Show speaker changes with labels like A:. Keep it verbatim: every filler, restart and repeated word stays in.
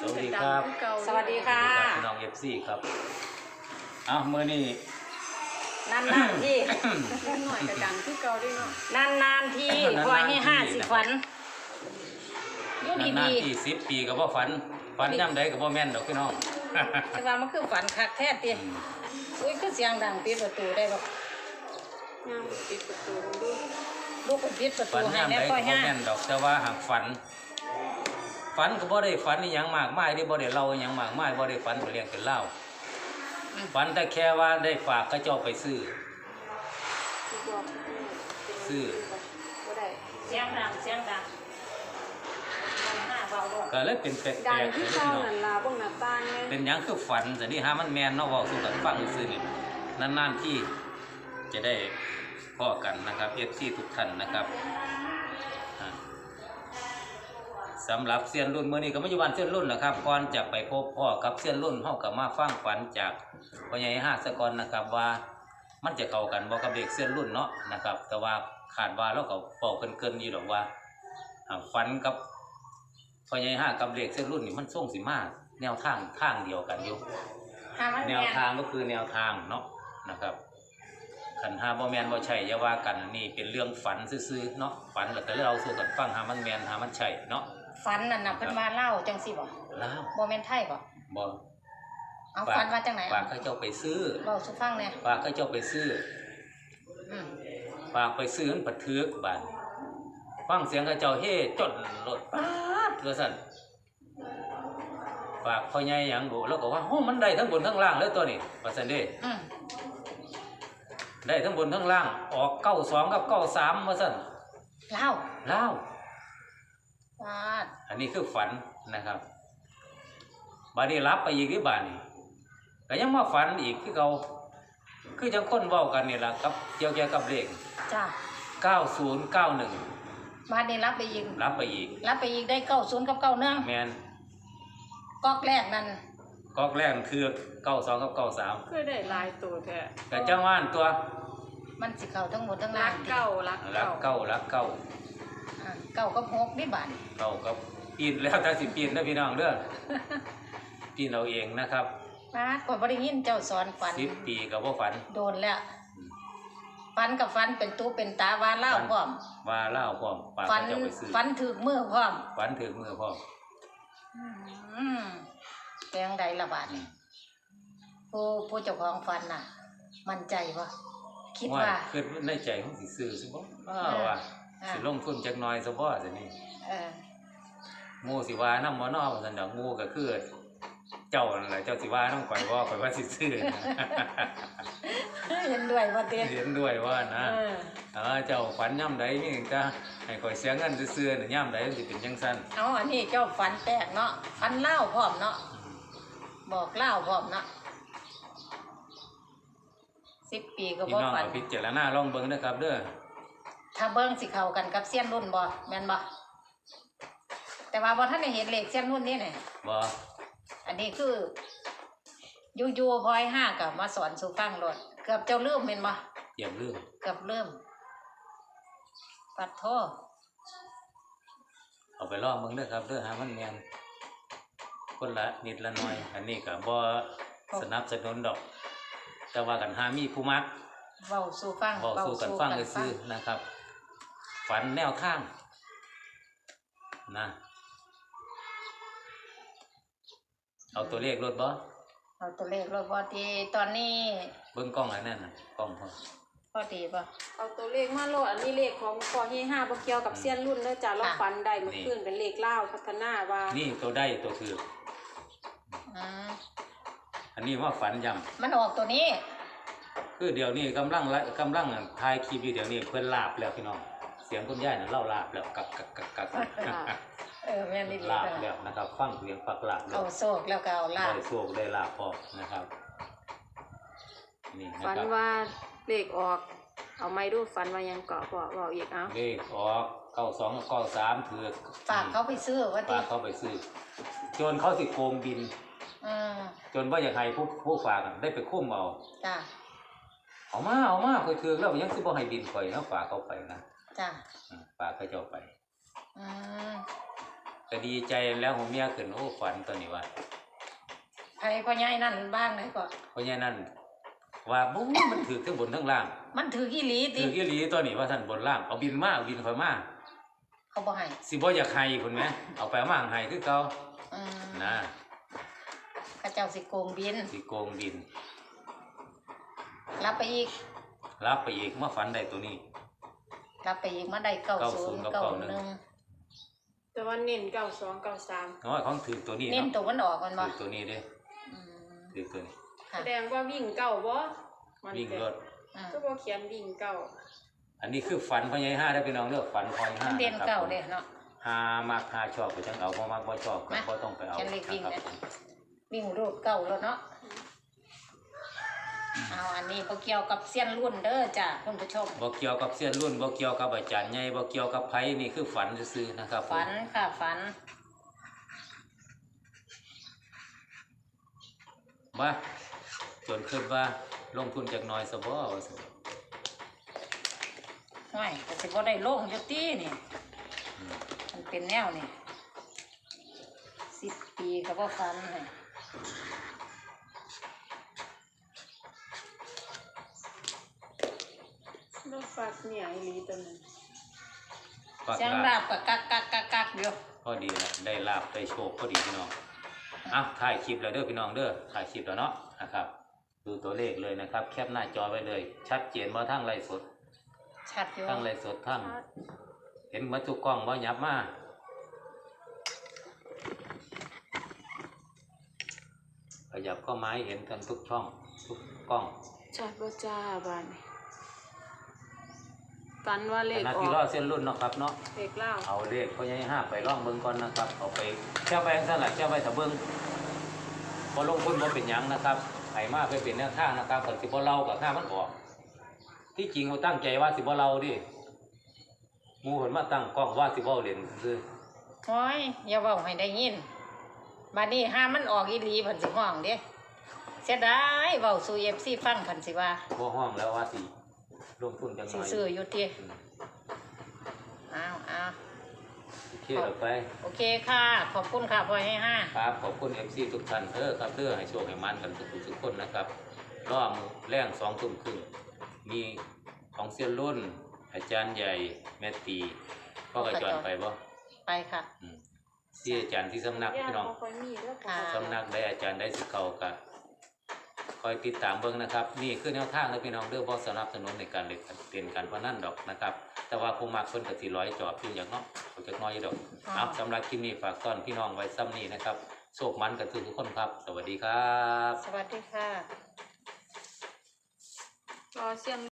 A: สวัสดีครับ
B: สวัสดีค่ะ
A: พี่น้องเอฟซีครับอ้าวเมื่อนี้
B: นานนานที่
C: หน่อยกระดังคือเก่าด้วยเนาะ
B: นานนานที่พอให้ห้าสิฝันอยู่ดี
A: นานๆที่สิบปีกับว่าฝันฝันย่ำใดกับว่าแม่นดอกพี่น้อง
B: แต่ว่ามันคือฝันคักแท้ตีอุ้ยคือเสียงดังปิดประตูได้บ่
C: ย่างปิดประตูดู
B: ลูกก็ปิดประ
A: ฝั
B: ตู
A: น
B: ให้
A: ย่ำ
B: แน่
A: ใด
B: พ่
A: กั
B: อบ
A: ว่า
B: ห้า
A: แม่นดอกแต่ว่าหากฝันฝันก็บ่ได้ฝันนี่ยังมากมายที่บ่ได้เล่ายังมากมายบ่ได้ฝันเป็นเรื่องเป็นเล่าฝันแต่แค่ว่าได้ฝากกระเจ้าไปซื้อซื้อ
C: บ่ได้
B: เสียงดังเสียงดังห้าเบาลง
A: ก็เลยเป็นแปล
C: ดัง
A: กๆ
C: ที่
A: เลย
C: เก่า
A: พี่น้อง
C: นั่นล่ะเบิ่งหน้าต่างไง
A: เป็นหยังคือฝันแต่นี่หามันแมนเนาะเว้าสู่กันฟังซื่อๆนี่นานๆที่จะได้พ้อกันนะครับ เอฟ ซี ทุกท่านนะครับอ่าสำหรับเซียนรุ่นมื้อนี้ก็มาอยู่บ้านเซียนรุ่นนะครับก่อนจะไปพบพ่อกับเซียนรุ่นเฮาก็มาฟังฝันจากพ่อใหญ่ห้าสะก่อนนะครับว่ามันจะเข้ากันบ่กับเด็กเซียนรุ่นเนาะนะครับแต่ว่าคาดว่าเราก็เป่าเกินๆอยู่ดอกว่าอ่าฝันกับพ่อใหญ่ห้ากับเด็กเซียนรุ่นนี่มันส่งสิมาแนวทางทางเดียวกันอยู่
B: ห้ามัน
A: แนวทางก็คือแนวทางเนาะนะครับขันหาบ่แมนบ่ใช่อย่าว่ากันนี่เป็นเรื่องฝันซื่อๆเนาะฝันแล้วแต่เราสู่กันฟังหามันแมนหามันใช่เนาะ
B: ฝันนั่นน่ะเพิ่นมาเล่าจังสิบ่
A: แล้ว
B: บ่แม่นไทยบ่
A: บ่
B: เอาฝันมาจังไหน
A: ฝากเขาเจ้าไปซื้อ
B: เล่าสู่ฟังแหน่
A: ฝากเขาเจ้าไปซื้อ
B: อืม
A: ฝากไปซื้อมันปัดทึกบาดฟังเสียงเขาเจ้าเฮ้จนรถป๊าดว่าซั่นฝากพ่อใหญ่หยังดูแล้วก็ว่าโอ้มันได้ทั้งบนทั้งล่างเลยตัวนี้ว่าซั่นเด้
B: อืม
A: ได้ทั้งบนทั้งล่างออกเก้าสองกับเก้าสามว่าซั่น
B: เล่า
A: ลาว
B: ฟาด
A: อันนี้คือฝันนะครับบาดนี้รับไปอีกที่บ้านนี่ก็ยังมาฝันอีกคือเขาคือจังคนเว้ากันนี่ล่ะกับเกี่ยวเกี่ยวกับเลข
B: จ้า
A: เก้าศูนย์เก้าหนึ่ง
B: มาได้รับไปอีก
A: รับไปอีก
B: รับไปอีกได้เก้าศูนย์กับเก้าเนื่อง
A: แมน
B: ก๊อกแรกนั่น
A: ก๊อกแรกคือเก้าสองกับเก้าสาม
C: คือได้หลายตัวแท้
A: แต่จังหว่านตัว
B: มันสิเข้าทั้งหมดทั้ง
C: รั
B: ล่าก ง
C: เก่ารัก
A: รัก
C: เก่า
A: เก้ารักเก้า
B: อ่าเก้ากับหกนี่บาท
A: เก้ากับปีนแล้วแต่สิปีนนะพี่น้องเด้อปีนเอาเองนะครับ
B: ฟาดก่อนบ่ได้ยินเจ้าสอนฝัน
A: สิบปีกับว่าฝัน
B: โดนแล้วฝันกับฝันเป็นตู้เป็นตาวาเล่าพร้อม
A: ว่าเล่าพร้อมปาก
B: ฝัน
A: เขาเจ้าไปซื้อ
B: ฝันถึกมือพร้อม
A: ฝันถึงมือพร้อม
B: อืมแปลงใดละบาทนี่ผู้ผู้เจ้าของฝันน่ะ มั่นใจบ่คิดว่า
A: คือในใจของสิซื้อสิบ่อ้า
B: เออ
A: ว่า
B: อ่า
A: สิลงทุนจักหน่อยซะบ่ซั่นนี่
B: เออ
A: หมู่สิว่านำบ่เนาะว่าซั่นดอกหมู่ก็คือ เจ้านั่นแหละเจ้าสิว่านำข่อยบ่ข่อยว่าสิซื้อ
B: เห็นด้วยว่าเต้
A: เห็นด้วยว่านะ
B: เออ
A: เออเจ้าฝันย่ำใดนี่ก็ให้ข่อยเสียเงินซื่อๆน่ะย่ำใดมันสิเป็นจังซั่น
B: เอาอันนี้เจ้าฝันแปลกเนาะฝันเล่าพร้อมเนาะบอกเล่าพร้อมเนาะสิบปีก็
A: พี่
B: บ่
A: น้อง
B: ฝัน
A: เอาพิจารณาลองเบิ่งนะครับเด้อ
B: ถ้าเบิ้งสิเข้ากันกับเซียนรุ่นบ่แม่นบ่แต่ว่าบ่ทันได้เห็นเลขเซียนรุ่นนี่แหละ
A: บ่
B: อันนี้คืออยู่ๆพลอยห้ากับมาสอนสู่ฟังรถเกือบเจ้าลืมแม่นบ่
A: เตรียมลืม
B: เกือบลืมปัดโทษ
A: เอาไปลองเบิ่งเด้อครับเด้อหามันแม่นคนละนิดละหน่อย อันนี้ก็บ่สนับสนุนดอก แต่ว่ากันหามีผู้มัก
B: เว้าสู่ฟัง
A: เว้าสู่กันฟังซื่อๆนะครับ ฝันแนวทางนะเอาตัวเลขรถบ่
B: เอาตัวเลขรถบ่ที่ตอนนี้
A: เบิ่งกล้องอันนั้นน่ะกล้องพอ
B: พอดีบ่
C: เอาตัวเลขมาโลดอันนี้เลขของพ่อเฮห้าบ่เกี่ยวกับเซียนรุ่นเด้อจ้ะเราฝันได้เมื่อคืนเป็นเลขลาวพัฒนาว่า
A: นี่ตัวได้ตัวถือ
B: อืม
A: อันนี้ว่าฝันย่ำ
B: มันออกตัวนี้
A: คือเดี๋ยวนี้กำลังไลกำลังถ่ายคลิปอยู่เดี๋ยวนี้เพื่อนลาบแล้วพี่น้องเสียงคุณยายน่ะเล่าลาบแล้วกักกักกักกัก
B: เออแม่นนี่
A: ลาบแล้วนะครับฟังเสียงปักลาบแล้
B: เอา
A: ว
B: โศกแล้วก็เอาลาบ
A: ได้โชคได้ลาบพอนะครับนี่นะ
C: ฝัน
A: ครับ
C: ว่าเลขออก เอาไม้ดูฝันว่ายังเกาะบ่บอกอีกเอา
A: เลขออกเก้าสองเก้าสามถือ
B: ฝากเขาไปซื้อว่าติ
A: ฝากเขาไปซื้อจนเขาสิโกงบิน
B: อืม
A: จนว่าอยากให้ผู้ผู้ฝากอะได้ไปคุ้มเอา
B: จ้ะ
A: เอามาเอามาคอยถือแล้วยังสิบ่ให้บินข่อยนะฝากเขาไปนะ
B: จ้ะ
A: อืมฝากเขาเจ้าไป
B: อืม
A: ก็ดีใจแล้วหัวเมียขึ้นโอ้ฝันตัวนี้ว่า
B: ไผพ่อใหญ่นั่นบ้างไหนก็
A: เพราะฉะนั้นว่าบุ้มันถือทั้งบนทั้งล่าง
B: มันถืออีหลีติ
A: ถืออีหลีตัวนี้ว่าท่านบนล่างเอาบินมาเอาบินคอยมา
B: เขาบ่ให้
A: สิบ่อยากให้คุณไหมเอาไปเอามาให้คือเก่า
B: อืม
A: นะ
B: เขาเจ้าสิโกงบิน
A: สิโกงบิน
B: รับไปอีก
A: รับไปอีกมาฝันได้ตัวนี้
B: รับไปอีกมาได้เก้า
A: เก้า
B: ศู
A: ศู
B: น
A: นย์
B: ย์
A: กับ
B: เก้า
A: เก้าห
B: ห
A: นึ่
B: นึ่
A: ง
B: ง
C: แต่ว่าเน้นเก้าสองเก้าสาม
A: น้อยของถือตัวนี้
B: เน้น
A: เนาะ
B: ตัวมันออกมันบ่
A: ถือตัวนี้เด้
B: อืม
A: ถือตัวนี้
B: ค่ะ
C: แสดงว่าวิ่งเก้าบ่มัน
A: วิ่ง
C: เป็น
A: รถ
B: อืม
C: ก็บ่เขียนวิ่งเก้า
A: อันนี้คือฝันพ่อใหญ่ห้าได้พี่น้องเด้อฝันพ่อใหญ่ห้า
B: มันเด่น
A: นะครับ
B: เก้า
A: ผม
B: เด้เนาะ
A: หามากหาชอบไปจังเอาบ่มากบ่ชอบก็
B: มา
A: บ่ต้องไปเอา
B: เขียนเลขวิ่ง
A: นะค
B: นะ
A: รับ
B: วิ่งรูดเก้าแล้วเนาะเอาอันนี้บ่เกี่ยวกับเสี้ยนรุ่นเด้อจ้ะคุณผู้ชม
A: บ่เกี่ยวกับเส้นรุ่นบ่เกี่ยวกับอาจารย์ใหญ่บ่เกี่ยวกับไผนี่คือฝันซื่อๆนะครับผม
B: ฝันค่ะฝัน
A: ว่าจนคิดว่าลงทุนจากหน้อยซะบ่ว่าซั่น
B: ห้อยก็สิบ่ได้ลงอยู่ตินี่
A: อืม
B: มันเป็นแนวนี่สิบปีก็บ่ฝันให้
C: รถฟักเนี่ยอีหลีตัวนั้น
A: ฝาก
B: เสียง
A: ลา
B: รา
A: บบ
B: ก็กักกักกักกักอยู่
A: พอดีแหละได้ลาบได้โชคพอดีพี่น้องอ่ะถ่ายคลิปแล้วเด้อพี่น้องเด้อถ่ายคลิปแล้วเนาะนะครับ ดูตัวเลขเลยนะครับ แคปหน้าจอไว้เลย ชัดเจนว่าทั้งไลฟ์สด
B: ชัดอยู่
A: ทั้งไลฟ์สดทั้งเห็นมาทุกกล้องว่ายับมาขยับเข้าไม้เห็นกันทุกช่องทุกกล้อง
C: ชัดบ่จ้าบ้านนี้ฝันว่าเล
A: ข
C: ข
A: ณะ
C: ออ
A: ที่รอก เส้นรุ่นเนาะครับเนาะ
C: เลขเล่า
A: เอาเลขพ่อใหญ่ห้าไปล่องเบิ่งก่อนนะครับ เอาไปแค่ไปสั่นละแค่ไปถ้าเบิ่งพอลงทุนบ่เป็นหยังนะครับไห้มาไปเป็นแนวทางนะครับคนสิบ่เล่ากับข้ามันออก ที่จริงเขาตั้งใจว่าสิบ่เล่าดิหมู่เพิ่นมาตั้งกล้องว่าสิบ่เล่นซื่อ
B: โอ้ยอย่าเว้าให้ได้ยินบัดนี้ห้ามมันออกอีหลีเพิ่นสิห้องเด้เสียดายเว้าสู่ เอฟ ซี ฟังเพิ่นสิว่า
A: บ่ห้องแล้วว่าสิลงทุนจังห
B: สิ
A: น่อย
B: ซื้ออยู่ติ
A: อืม
B: อ้าวอ้าว
A: โอเคเอาไป
B: โอเคค่ะ ขอบคุณค่ะพ่อให้ห้า
A: ครับขอบคุณ เอฟ ซี ทุกท่านเด้อครับเด้อให้โชคให้มันกันทุกๆทุกคนนะครับรอบมื้อแรงสองทุ่มครึ่งมีของเซียนรุ่น อาจารย์ใหญ่แม่ตีพ่อกระจรไปบ่
B: ไปค่ะ
A: อืมที่อาจารย์ที่สำนัก
C: ย่า
A: พี่น้อง
C: บ่ค่อยมีแล้วก็
B: ค่ะ
A: สำนักได้อาจารย์ได้สิเขากะคอยติดตามเบิ่งนะครับ นี่คือแนวทางเลยพี่น้องเด้อบ่สนับสนุนในการเล่นเล่นการพนันดอกนะครับ แต่ว่าผู้มักเพิ่นก็สิร้อยจอบอยู่อย่างเนาะเขาจักน้อยอยู่ดอก
B: ค่ะ
A: เอาสำหรับคลิปนี้ฝากต้อนพี่น้องไว้ซ้ำนี้นะครับโชคมันกันทุกคนครับ สวัสดีครับ
B: สวัสดีค่ะ
C: รอเสียง